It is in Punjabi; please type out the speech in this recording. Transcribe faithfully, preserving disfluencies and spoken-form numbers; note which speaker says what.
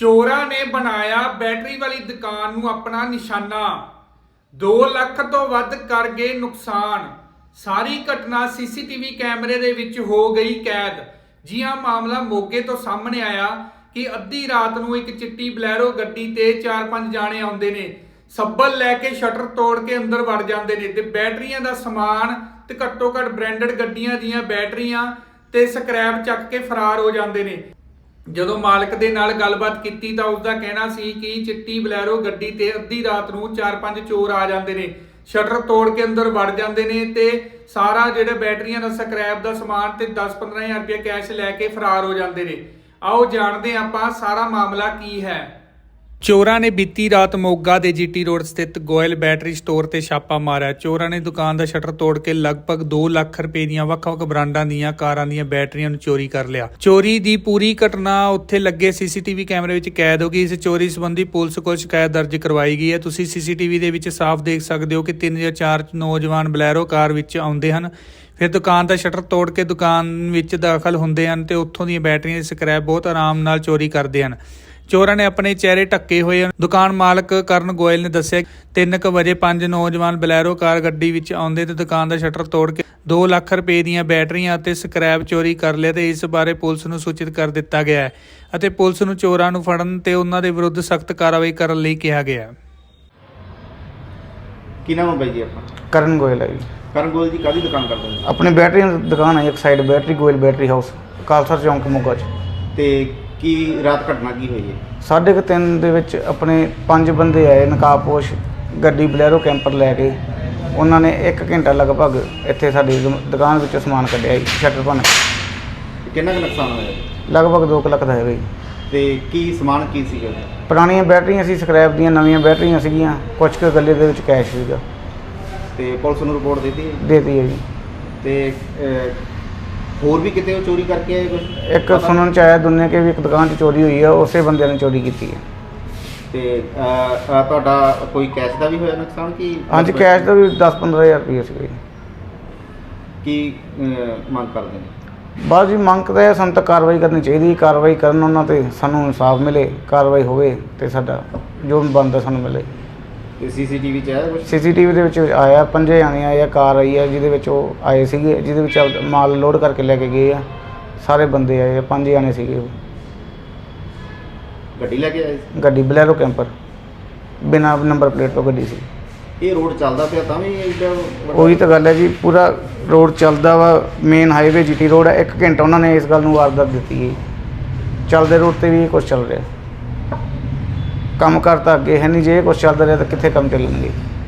Speaker 1: ਚੋਰਾਂ ਨੇ ਬਣਾਇਆ ਬੈਟਰੀ ਵਾਲੀ ਦੁਕਾਨ ਨੂੰ ਆਪਣਾ ਨਿਸ਼ਾਨਾ। ਦੋ ਲੱਖ ਤੋਂ ਵੱਧ ਕਰ ਗਏ ਨੁਕਸਾਨ। ਸਾਰੀ ਘਟਨਾ ਸੀਸੀਟੀਵੀ ਕੈਮਰੇ ਦੇ ਵਿੱਚ ਹੋ ਗਈ ਕੈਦ। ਜੀ ਹਾਂ, ਮਾਮਲਾ ਮੋਗੇ ਤੋਂ ਸਾਹਮਣੇ ਆਇਆ ਕਿ ਅੱਧੀ ਰਾਤ ਨੂੰ ਇੱਕ ਚਿੱਟੀ ਬਲੈਰੋ ਗੱਡੀ ਤੇ ਚਾਰ ਪੰਜ ਜਾਣੇ ਆਉਂਦੇ ਨੇ, ਸੱਬਲ ਲੈ ਕੇ ਸ਼ਟਰ ਤੋੜ ਕੇ ਅੰਦਰ ਵੜ ਜਾਂਦੇ ਨੇ ਤੇ ਬੈਟਰੀਆਂ ਦਾ ਸਮਾਨ ਤੇ ਘੱਟੋ ਘੱਟ ਬ੍ਰਾਂਡਡ ਗੱਡੀਆਂ ਦੀਆਂ ਬੈਟਰੀਆਂ ਤੇ ਸਕ੍ਰੈਪ ਚੱਕ ਕੇ ਫਰਾਰ ਹੋ ਜਾਂਦੇ ਨੇ। ਜਦੋਂ ਮਾਲਕ ਦੇ ਨਾਲ ਗੱਲਬਾਤ ਕੀਤੀ ਤਾਂ ਉਸਦਾ ਕਹਿਣਾ ਸੀ ਕਿ ਚਿੱਟੀ ਬਲੈਰੋ ਗੱਡੀ ਤੇ ਅੱਧੀ ਰਾਤ ਨੂੰ ਚਾਰ ਪੰਜ ਚੋਰ ਆ ਜਾਂਦੇ ਨੇ, ਸ਼ਟਰ ਤੋੜ ਕੇ ਅੰਦਰ ਵੜ ਜਾਂਦੇ ਨੇ ਤੇ ਸਾਰਾ ਜਿਹੜੇ ਬੈਟਰੀਆਂ ਦਾ ਸਕ੍ਰੈਪ ਦਾ ਸਮਾਨ ਤੇ ਦਸ ਪੰਦਰਾਂ ਹਜ਼ਾਰ ਰੁਪਏ ਕੈਸ਼ ਲੈ ਕੇ ਫਰਾਰ ਹੋ ਜਾਂਦੇ ਨੇ। ਆਓ ਜਾਣਦੇ ਆਪਾਂ ਸਾਰਾ ਮਾਮਲਾ ਕੀ ਹੈ। ਚੋਰਾਂ ਨੇ ਬੀਤੀ ਰਾਤ ਮੋਗਾ ਦੇ ਜੀਟੀ ਰੋਡ ਸਥਿਤ ਗੋਇਲ ਬੈਟਰੀ ਸਟੋਰ ਤੇ ਛਾਪਾ ਮਾਰਿਆ। ਚੋਰਾਂ ਨੇ ਦੁਕਾਨ ਦਾ ਸ਼ਟਰ ਤੋੜ ਕੇ ਲਗਭਗ ਦੋ ਲੱਖ ਰੁਪਏ ਦੀਆਂ ਵੱਖ-ਵੱਖ ਬ੍ਰਾਂਡਾਂ ਦੀਆਂ ਕਾਰਾਂ ਦੀਆਂ ਬੈਟਰੀਆਂ ਨੂੰ ਚੋਰੀ ਕਰ ਲਿਆ। ਚੋਰੀ ਦੀ ਪੂਰੀ ਘਟਨਾ ਉੱਥੇ ਲੱਗੇ ਸੀਸੀਟੀਵੀ ਕੈਮਰੇ ਵਿੱਚ ਕੈਦ ਹੋ ਗਈ। ਇਸ ਚੋਰੀ ਸੰਬੰਧੀ ਪੁਲਿਸ ਕੋਲ ਸ਼ਿਕਾਇਤ ਦਰਜ ਕਰਵਾਈ ਗਈ ਹੈ। ਤੁਸੀਂ ਸੀਸੀਟੀਵੀ ਦੇ ਵਿੱਚ ਸਾਫ਼ ਦੇਖ ਸਕਦੇ ਹੋ ਕਿ ਤਿੰਨ ਜਾਂ ਚਾਰ ਨੌਜਵਾਨ ਬਲੈਰੋ ਕਾਰ ਵਿੱਚ ਆਉਂਦੇ ਹਨ, ਫਿਰ ਦੁਕਾਨ ਦਾ ਸ਼ਟਰ ਤੋੜ ਕੇ ਦੁਕਾਨ ਵਿੱਚ ਦਾਖਲ ਹੁੰਦੇ ਹਨ ਤੇ ਉੱਥੋਂ ਦੀਆਂ ਬੈਟਰੀਆਂ ਦੇ ਸਕ੍ਰੈਪ ਬਹੁਤ ਆਰਾਮ ਨਾਲ ਚੋਰੀ ਕਰਦੇ ਹਨ। ਚੋਰਾਂ ਨੇ ਆਪਣੇ ਚਿਹਰੇ ਢੱਕੇ ਹੋਏ ਹਨ। ਦੁਕਾਨ ਮਾਲਕ ਕਰਨ ਗੋਇਲ ਨੇ ਦੱਸਿਆ ਤਿੰਨ ਕੁ ਵਜੇ ਪੰਜ ਨੌਜਵਾਨ ਬਲੈਰੋ ਕਾਰ ਗੱਡੀ ਵਿੱਚ ਆਉਂਦੇ ਤੇ ਦੁਕਾਨ ਦਾ ਸ਼ਟਰ ਤੋੜ ਕੇ ਦੋ ਲੱਖ ਰੁਪਏ ਦੀਆਂ ਬੈਟਰੀਆਂ ਅਤੇ ਸਕ੍ਰੈਪ ਚੋਰੀ ਕਰ ਲਿਆ ਤੇ ਇਸ ਬਾਰੇ ਪੁਲਿਸ ਨੂੰ ਸੂਚਿਤ ਕਰ ਦਿੱਤਾ ਗਿਆ ਹੈ ਅਤੇ ਪੁਲਿਸ ਨੂੰ ਚੋਰਾਂ ਨੂੰ ਫੜਨ ਤੇ ਉਹਨਾਂ ਦੇ ਵਿਰੁੱਧ ਸਖਤ ਕਾਰਵਾਈ ਕਰਨ ਲਈ ਕਿਹਾ ਗਿਆ ਹੈ।
Speaker 2: ਕੀ ਨਾਮ ਹੈ ਬਾਈ ਜੀ ਆਪਣਾ?
Speaker 3: ਕਰਨ ਗੋਇਲ ਹੈ ਜੀ।
Speaker 2: ਕਰਨ ਗੋਇਲ ਜੀ ਕਾਹਦੀ ਦੁਕਾਨ ਕਰਦੇ ਨੇ?
Speaker 3: ਆਪਣੀ ਬੈਟਰੀ ਦੀ ਦੁਕਾਨ ਹੈ, ਇੱਕ side battery Goyal battery house, Khalsa ਚੌਂਕ ਮੋਗਾ 'ਚ।
Speaker 2: ਤੇ ਕੀ ਰਾਤ ਘਟਨਾ ਕੀ ਹੋਈ ਹੈ?
Speaker 3: ਸਾਢੇ ਕੁ ਤਿੰਨ ਦੇ ਵਿੱਚ ਆਪਣੇ ਪੰਜ ਬੰਦੇ ਆਏ ਨਕਾਬਪੋਸ਼ ਗੱਡੀ ਬਲੈਰੋ ਕੈਂਪਰ ਲੈ ਕੇ। ਉਹਨਾਂ ਨੇ ਇੱਕ ਘੰਟਾ ਲਗਭਗ ਇੱਥੇ ਸਾਡੀ ਦੁ- ਦੁਕਾਨ ਵਿੱਚੋਂ ਸਮਾਨ ਕੱਢਿਆ ਜੀ, ਸ਼ਟਰ ਭੰਨ ਕੇ।
Speaker 2: ਕਿੰਨਾ ਕੁ ਨੁਕਸਾਨ ਹੋਇਆ?
Speaker 3: ਲਗਭਗ ਦੋ ਕੁ ਲੱਖ ਦਾ ਹੈਗਾ ਜੀ।
Speaker 2: ਤੇ ਕੀ ਸਮਾਨ ਕੀ ਸੀਗਾ?
Speaker 3: ਪੁਰਾਣੀਆਂ ਬੈਟਰੀਆਂ ਸੀ, ਸਕ੍ਰੈਪ ਦੀਆਂ, ਨਵੀਆਂ ਬੈਟਰੀਆਂ ਸੀਗੀਆਂ, ਕੁਛ ਕੁ ਗੱਲੇ ਦੇ ਵਿੱਚ ਕੈਸ਼ ਸੀਗਾ।
Speaker 2: ਤੇ ਪੁਲਿਸ ਨੂੰ ਰਿਪੋਰਟ ਦਿੱਤੀ ਹੈ?
Speaker 3: ਦੇਤੀ ਹੈ ਜੀ।
Speaker 2: ਤੇ ਅਹ, ਹੋਰ ਵੀ ਕਿਤੇ ਉਹ ਚੋਰੀ ਕਰਕੇ ਆਏ ਕੁਝ?
Speaker 3: ਇੱਕ ਸੁਣਨ ਚ ਆਇਆ ਦੁਨੀਆ ਕੇ ਵੀ ਇੱਕ ਦੁਕਾਨ 'ਚ ਚੋਰੀ ਹੋਈ ਹੈ, ਉਸੇ ਬੰਦੇ ਨੇ ਚੋਰੀ ਕੀਤੀ ਹੈ।
Speaker 2: ਤੇ ਅਹ, ਅਹ, ਤੁਹਾਡਾ ਕੋਈ ਕੈਸ਼ ਦਾ ਵੀ ਹੋਇਆ ਨੁਕਸਾਨ ਕਿ?
Speaker 3: ਹਾਂਜੀ, ਕੈਸ਼ ਦਾ ਵੀ ਦਸ ਪੰਦਰਾਂ ਹਜ਼ਾਰ ਰੁਪਏ ਸੀਗਾ ਜੀ।
Speaker 2: ਕੀ ਅਹ, ਮੰਗ ਕਰਦੇ ਨੇ?
Speaker 3: ਬਸ ਜੀ, ਮੰਗ ਤਾਂ ਇਹ ਸਾਨੂੰ ਤਾਂ ਕਾਰਵਾਈ ਕਰਨੀ ਚਾਹੀਦੀ। ਕਾਰਵਾਈ ਕਰਨ ਉਹਨਾਂ 'ਤੇ ਸਾਨੂੰ ਇਨਸਾਫ ਮਿਲੇ, ਕਾਰਵਾਈ ਹੋਵੇ ਅਤੇ ਸਾਡਾ ਜੋ ਬਣਦਾ ਸਾਨੂੰ ਮਿਲੇ।
Speaker 2: ਤੇ ਸੀਸੀਟੀਵੀ 'ਚ ਆਇਆ ਕੁਝ?
Speaker 3: ਸੀਸੀਟੀਵੀ ਦੇ ਵਿੱਚ ਆਇਆ, ਪੰਜੇ ਜਾਣੇ ਆਏ ਆ, ਕਾਰ ਆਈ ਆ ਜਿਹਦੇ ਵਿੱਚ ਉਹ ਆਏ ਸੀਗੇ, ਜਿਹਦੇ ਵਿੱਚ ਆਪਦਾ ਮਾਲ ਲੋਡ ਕਰਕੇ ਲੈ ਕੇ ਗਏ ਆ। ਸਾਰੇ ਬੰਦੇ ਆਏ ਆ, ਪੰਜ ਜਾਣੇ ਸੀਗੇ ਉਹ।
Speaker 2: ਗੱਡੀ ਲੈ ਕੇ ਆਏ ਸੀ?
Speaker 3: ਗੱਡੀ ਬਲੈਰੋ ਕੈਂਪਰ, ਬਿਨਾਂ ਨੰਬਰ ਪਲੇਟ ਤੋਂ ਗੱਡੀ ਸੀ।
Speaker 2: ਇਹ ਰੋਡ ਚੱਲਦਾ ਪਿਆ ਤਾਂ ਵੀ ਇੱਡਾ ਵੱਡਾ-
Speaker 3: ਉਹੀ ਤਾਂ ਗੱਲ ਹੈ ਜੀ, ਪੂਰਾ ਰੋਡ ਚੱਲਦਾ ਵਾ, ਮੇਨ ਹਾਈਵੇ ਜੀਟੀ ਰੋਡ ਹੈ। ਇੱਕ ਘੰਟਾ ਉਹਨਾਂ ਨੇ ਇਸ ਗੱਲ ਨੂੰ ਵਾਰਦਾਤ ਦਿੱਤੀ ਹੈ। ਚੱਲਦੇ ਰੋਡ 'ਤੇ ਵੀ ਇਹ ਕੁਛ ਚੱਲ ਰਿਹਾ। ਕੰਮ ਕਰ ਤਾਂ ਅੱਗੇ ਹੈ ਨਹੀਂ, ਜੇ ਇਹ ਕੁਛ ਚੱਲਦਾ ਰਿਹਾ ਤਾਂ ਕਿੱਥੇ ਕੰਮ ਚੱਲਣਗੇ।